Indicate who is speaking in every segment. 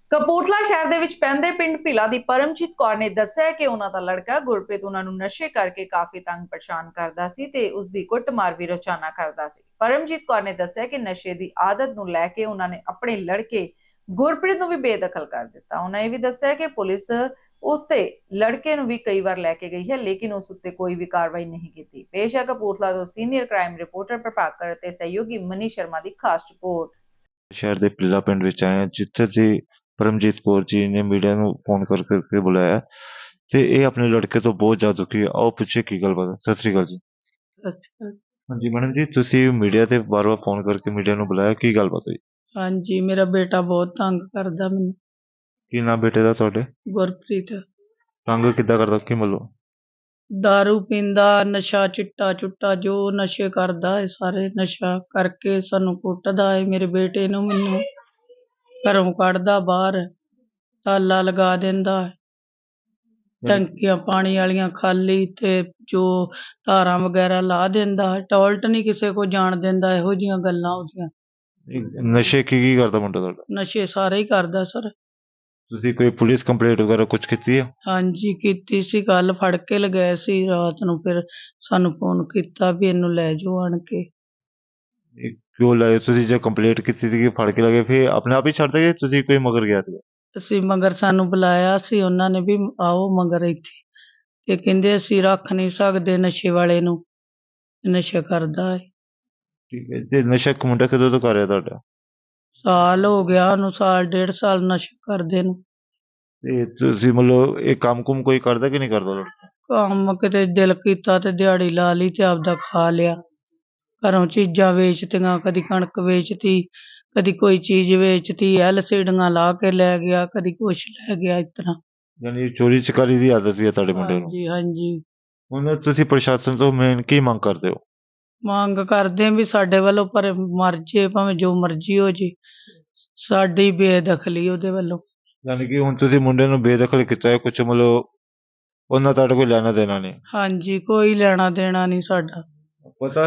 Speaker 1: ਕਪੂਰਥਲਾ ਸ਼ਹਿਰ ਦੇ ਵਿੱਚ ਪੈਂਦੇ ਪਿੰਡ ਭੀਲਾ ਦੀ ਪਰਮਜੀਤ ਕੌਰ ਨੇ ਦੱਸਿਆ ਕਿ ਉਹਨਾਂ ਦਾ ਲੜਕਾ ਗੁਰਪ੍ਰੀਤ ਉਹਨਾਂ ਨੂੰ ਨਸ਼ੇ ਕਰਕੇ ਕਾਫੀ ਤੰਗ ਪਰੇਸ਼ਾਨ ਕਰਦਾ ਸੀ ਤੇ ਉਸ ਦੀ ਕੁੱਟਮਾਰ ਵੀ ਰੋਜ਼ਾਨਾ ਕਰਦਾ ਸੀ। ਪਰਮਜੀਤ ਕੌਰ ਨੇ ਦੱਸਿਆ ਕਿ ਨਸ਼ੇ ਦੀ ਆਦਤ ਨੂੰ ਲੈ ਕੇ ਉਹਨਾਂ ਨੇ ਆਪਣੇ ਲੜਕੇ ਗੁਰਪ੍ਰੀਤ ਨੂੰ ਵੀ ਬੇਦਖਲ ਕਰ ਦਿੱਤਾ। ਉਹਨਾਂ ਇਹ ਵੀ ਦੱਸਿਆ ਕਿ ਪੁਲਿਸ ਉਸ ਤੇ ਲੜਕੇ ਨੂੰ ਵੀ ਕਈ ਵਾਰ ਲੈ ਕੇ ਗਈ ਹੈ, ਲੇਕਿਨ ਉਸ ਉੱਤੇ ਕੋਈ ਵੀ ਕਾਰਵਾਈ ਨਹੀਂ ਕੀਤੀ। ਪੇਸ਼ ਹੈ ਕਪੂਰਥਲਾ ਤੋਂ ਸੀਨੀਅਰ ਕ੍ਰਾਈਮ ਰਿਪੋਰਟਰ ਪ੍ਰਭਾਕਰ ਅਤੇ ਸਹਿਯੋਗੀ ਮਨੀ ਸ਼ਰਮਾ ਦੀ ਖਾਸ ਰਿਪੋਰਟ।
Speaker 2: शहर के पिल्ला पिंड विच आए हैं जिथे जी परमजीत कौर जी ने मीडिया ਨੂੰ फोन करके बुलाया ਤੇ ਇਹ ਆਪਣੇ ਲੜਕੇ ਤੋਂ ਬਹੁਤ ਜ਼ਿਆਦਾ ਦੁਖੀ ਹੈ। ਆਓ ਪੁੱਛੇ ਕੀ ਗੱਲਬਾਤ ਹੈ। ਸਤਿ ਸ੍ਰੀ ਅਕਾਲ ਜੀ।
Speaker 3: ਸਤਿ ਸ਼੍ਰੀ ਅਕਾਲ।
Speaker 2: ਹਾਂਜੀ ਮੈਡਮ ਜੀ, ਤੁਸੀਂ ਮੀਡੀਆ ਤੇ ਵਾਰ-ਵਾਰ ਫੋਨ ਕਰਕੇ ਮੀਡੀਆ ਨੂੰ ਬੁਲਾਇਆ, ਕੀ ਗੱਲਬਾਤ ਹੋਈ?
Speaker 3: ਹਾਂਜੀ, ਮੇਰਾ ਬੇਟਾ ਬਹੁਤ ਤੰਗ ਕਰਦਾ ਮੈਨੂੰ।
Speaker 2: ਕੀ ਨਾਮ ਬੇਟੇ ਦਾ ਤੁਹਾਡੇ?
Speaker 3: ਗੁਰਪ੍ਰੀਤ
Speaker 2: ਤੰਗ ਕਿੱਦਾਂ ਕਰਦਾ, ਕੀ ਮਤਲਬ?
Speaker 3: ਦਾਰੂ ਪੀਂਦਾ, ਨਸ਼ਾ ਚਿੱਟਾ ਚੁੱਟਾ ਜੋ ਨਸ਼ੇ ਕਰਦਾ ਹੈ, ਸਾਰੇ ਨਸ਼ਾ ਕਰਕੇ ਸਾਨੂੰ ਕੁੱਟਦਾ ਹੈ। ਮੇਰੇ ਬੇਟੇ ਨੂੰ ਮੈਨੂੰ ਘਰੋਂ ਕੱਢਦਾ ਬਾਹਰ, ਤਾਲਾ ਲਗਾ ਦਿੰਦਾ ਹੈ। ਟੈਂਕੀਆਂ ਪਾਣੀ ਵਾਲੀਆਂ ਖਾਲੀ ਤੇ ਜੋ ਤਾਰਾਂ ਵਗੈਰਾ ਲਾ ਦਿੰਦਾ ਹੈ। ਟੋਇਲਟ ਨਹੀਂ ਕਿਸੇ ਕੋ ਜਾਣ ਦਿੰਦਾ। ਇਹੋ ਜਿਹੀਆਂ ਗੱਲਾਂ ਉਹਦੀਆਂ।
Speaker 2: ਨਸ਼ੇ ਕੀ ਕਰਦਾ ਮੁੰਡਾ ਤੁਹਾਡਾ?
Speaker 3: ਨਸ਼ੇ ਸਾਰੇ ਹੀ ਕਰਦਾ ਸਰ।
Speaker 2: ਤੁਸੀਂ ਕੋਈ ਪੁਲਿਸ ਕੰਪਲੇਂਟ ਵਗੈਰਾ ਕੁਝ ਕੀਤੀ ਹੈ?
Speaker 3: ਹਾਂਜੀ ਕੀਤੀ ਸੀ, ਕੱਲ ਫੜ ਕੇ ਲਗਾਏ ਸੀ ਰਾਤ ਨੂੰ। ਫਿਰ ਸਾਨੂੰ ਫੋਨ ਕੀਤਾ ਵੀ ਇਹਨੂੰ ਲੈ ਜਾਓ ਆਣ ਕੇ।
Speaker 2: ਇਹ ਕਿਉਂ ਲਾਏ ਤੁਸੀਂ? ਜੇ ਕੰਪਲੇਂਟ ਕੀਤੀ ਸੀ ਕਿ ਫੜ ਕੇ ਲਗੇ, ਫਿਰ ਆਪਣੇ ਆਪ ਹੀ ਛੱਡ ਦਗੇ? ਤੁਸੀਂ ਕੋਈ ਮਗਰ ਗਿਆ ਸੀ?
Speaker 3: ਅਸੀਂ ਮਗਰ ਸਾਨੂੰ ਬੁਲਾਇਆ ਸੀ ਉਹਨਾਂ ਨੇ ਵੀ ਆਓ ਮਗਰ ਇੱਥੇ, ਤੇ ਕਹਿੰਦੇ ਅਸੀਂ ਰੱਖ ਨਹੀਂ ਸਕਦੇ ਨਸ਼ੇ ਵਾਲੇ ਨੂੰ, ਨਸ਼ਾ ਕਰਦਾ ਹੈ।
Speaker 2: ਠੀਕ ਹੈ। ਤੇ ਨਸ਼ਾ ਮੁੰਡਾ ਕਦੋਂ ਤੋਂ ਕਰ ਰਿਹਾ ਤੁਹਾਡਾ?
Speaker 3: ਸਾਲ ਹੋ ਗਿਆ ਉਹਨੂੰ, ਸਾਲ ਡੇਢ ਸਾਲ ਨਸ਼ਾ ਕਰਦੇ ਨੂੰ।
Speaker 2: ਤੇ ਤੁਸੀਂ ਮਤਲਬ ਇਹ ਕੰਮ ਕੁਮ ਕੋਈ ਕਰਦਾ ਕਿ ਨਹੀਂ ਕਰਦਾ ਲੜਕਾ?
Speaker 3: ਕੰਮ ਕਿਤੇ ਦਿਲ ਕੀਤਾ ਤੇ ਦਿਹਾੜੀ ਲਾ ਲਈ ਤੇ ਆਪਦਾ ਖਾ ਲਿਆ। ਘਰੋਂ ਚੀਜ਼ਾਂ ਵੇਚਤੀਆਂ, ਕਦੀ ਕਣਕ ਵੇਚਤੀ, ਕਦੀ ਕੋਈ ਚੀਜ਼ ਵੇਚਤੀ, LCDਆਂ ਲਾ ਕੇ ਲੈ ਗਿਆ, ਕਦੀ ਕੁਛ ਲੈ ਗਿਆ। ਇਸ ਤਰ੍ਹਾਂ
Speaker 2: ਯਾਨੀ ਚੋਰੀ ਚਕਾਰੀ ਦੀ ਆਦਤ ਵੀ ਹੈ ਤੁਹਾਡੇ ਮੁੰਡੇ ਨੂੰ?
Speaker 3: ਹਾਂਜੀ ਹਾਂਜੀ।
Speaker 2: ਹੁਣ ਤੁਸੀਂ ਪ੍ਰਸ਼ਾਸਨ ਤੋਂ ਮੇਨ ਕੀ ਮੰਗ ਕਰਦੇ ਹੋ?
Speaker 3: ਮੰਗ ਕਰਦੇ ਹਾਂ ਵੀ ਸਾਡੇ ਵੱਲੋਂ ਪਰ ਮਰ ਜੇ, ਭਾਵੇਂ ਜੋ ਮਰਜ਼ੀ ਹੋ ਜੇ, ਸਾਡੀ ਬੇਦਖਲੀ ਉਹਦੇ ਵੱਲੋਂ।
Speaker 2: ਯਾਨੀ ਕਿ ਹੁਣ ਤੁਸੀਂ ਮੁੰਡੇ ਨੂੰ ਬੇਦਖਲ ਕੀਤਾ ਹੈ, ਕੁਝ ਮਤਲਬ ਉਹਨਾਂ ਤੁਹਾਡੇ ਕੋਈ ਲੈਣਾ ਦੇਣਾ ਨਹੀਂ?
Speaker 3: ਹਾਂਜੀ, ਕੋਈ ਲੈਣਾ ਦੇਣਾ ਨਹੀਂ ਸਾਡਾ।
Speaker 2: ਪਤਾ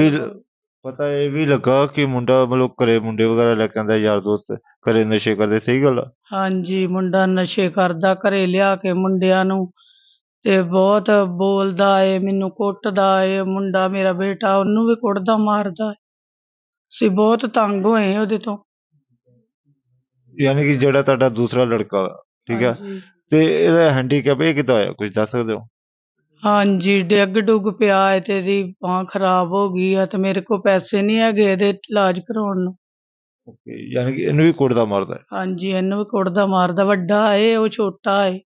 Speaker 2: ਇਹ ਵੀ ਲੱਗਾ ਕਿ ਮੁੰਡਾ ਮਤਲਬ ਘਰੇ ਮੁੰਡੇ ਵਗੈਰਾ ਲੈ ਕੇ ਆਉਂਦਾ, ਯਾਰ ਦੋਸਤ ਘਰੇ ਨਸ਼ੇ ਕਰਦੇ, ਸਹੀ ਗੱਲ ਆ?
Speaker 3: ਹਾਂਜੀ, ਮੁੰਡਾ ਨਸ਼ੇ ਕਰਦਾ ਘਰੇ ਲਿਆ ਕੇ ਮੁੰਡਿਆਂ ਨੂੰ, ਤੇ ਬਹੁਤ ਬੋਲਦਾ ਏ, ਮੈਨੂੰ ਕੁੱਟਦਾ ਏ। ਮੁੰਡਾ ਮੇਰਾ ਬੇਟਾ ਉਹਨੂੰ ਵੀ ਕੁੱਟਦਾ ਮਾਰਦਾ ਏ। ਅਸੀਂ ਬਹੁਤ ਤੰਗ ਹੋਏ ਉਹਦੇ ਤੋਂ।
Speaker 2: ਯਾਨੀ ਕਿ ਜਿਹੜਾ ਤੁਹਾਡਾ ਦੂਸਰਾ ਲੜਕਾ ਵਾ, ਠੀਕ ਹੈ,
Speaker 3: ਹਾਂਜੀ
Speaker 2: ਤੇ ਇਹਦਾ ਹੈਂਡੀਕੈਪ ਇਹ ਕਿੱਦਾਂ ਹੋਇਆ, ਕੁਝ ਦੱਸ ਸਕਦੇ ਹੋ?
Speaker 3: ਹਾਂਜੀ, ਡਿੱਗ ਡੁੱਗ ਪਿਆ ਏ ਤੇ ਇਹਦੀ ਬਾਂਹ ਖਰਾਬ ਹੋ ਗਈ ਆ, ਤੇ ਮੇਰੇ ਕੋਲ ਪੈਸੇ ਨਹੀਂ ਹੈਗੇ ਇਹਦੇ ਇਲਾਜ ਕਰਾਉਣ ਨੂੰ।
Speaker 2: ਓਕੇ, ਯਾਨੀ ਕਿ ਇਹਨੂੰ ਵੀ ਕੁੱਟਦਾ ਮਾਰਦਾ ਹੈ?
Speaker 3: ਹਾਂਜੀ, ਇਹਨੂੰ ਵੀ ਕੁੱਟਦਾ ਮਾਰਦਾ। ਵੱਡਾ ਏ, ਉਹ ਛੋਟਾ ਏ।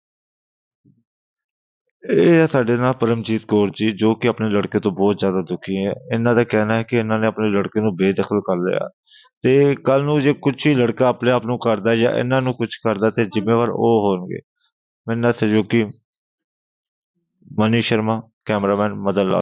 Speaker 2: ਇਹ ਹੈ ਸਾਡੇ ਨਾਲ ਪਰਮਜੀਤ ਕੌਰ ਜੀ, ਜੋ ਕਿ ਆਪਣੇ ਲੜਕੇ ਤੋਂ ਬਹੁਤ ਜ਼ਿਆਦਾ ਦੁਖੀ ਹੈ। ਇਹਨਾਂ ਦਾ ਕਹਿਣਾ ਹੈ ਕਿ ਇਹਨਾਂ ਨੇ ਆਪਣੇ ਲੜਕੇ ਨੂੰ ਬੇਦਖਲ ਕਰ ਲਿਆ, ਤੇ ਕੱਲ ਨੂੰ ਜੇ ਕੁਝ ਹੀ ਲੜਕਾ ਆਪਣੇ ਆਪ ਨੂੰ ਕਰਦਾ ਜਾਂ ਇਹਨਾਂ ਨੂੰ ਕੁਝ ਕਰਦਾ ਤੇ ਜ਼ਿੰਮੇਵਾਰ ਉਹ ਹੋਣਗੇ। ਮੇਰੇ ਨਾਲ ਸਹਿਯੋਗੀ ਮਨੀ ਸ਼ਰਮਾ, ਕੈਮਰਾਮੈਨ ਮਦਨ ਲਾਲ।